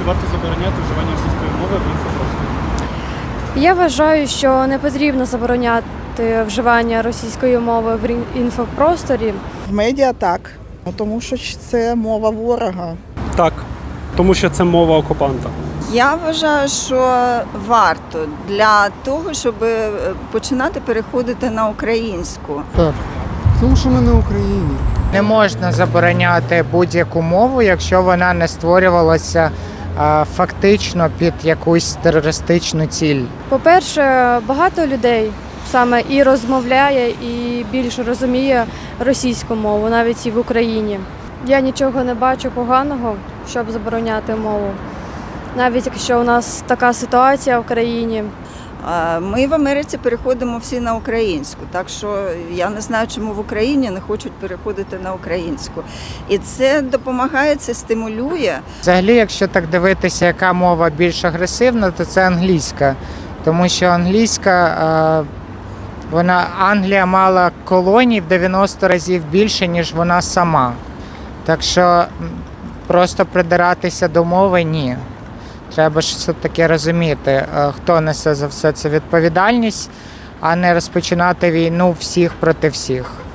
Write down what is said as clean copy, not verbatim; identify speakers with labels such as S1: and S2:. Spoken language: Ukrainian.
S1: варто забороняти вживання російської мови в інфопросторі?
S2: Я вважаю, що не потрібно забороняти вживання російської мови в інфопросторі.
S3: В медіа так, тому що це мова ворога.
S4: Так, тому що це мова окупанта.
S5: Я вважаю, що варто для того, щоб починати переходити на українську.
S6: Так, тому що ми на Україні.
S7: Не можна забороняти будь-яку мову, якщо вона не створювалася фактично під якусь терористичну ціль.
S2: По-перше, багато людей саме і розмовляє, і більше розуміє російську мову, навіть і в Україні. Я нічого не бачу поганого, щоб забороняти мову. Навіть якщо у нас така ситуація в країні.
S5: Ми в Америці переходимо всі на українську, так що я не знаю, чому в Україні не хочуть переходити на українську. І це допомагає, це стимулює.
S7: Взагалі, якщо так дивитися, яка мова більш агресивна, то це англійська. Тому що англійська, Англія мала колоній в 90 разів більше, ніж вона сама. Так що просто придиратися до мови – ні. Треба ж все-таки розуміти, хто несе за все це відповідальність, а не розпочинати війну всіх проти всіх.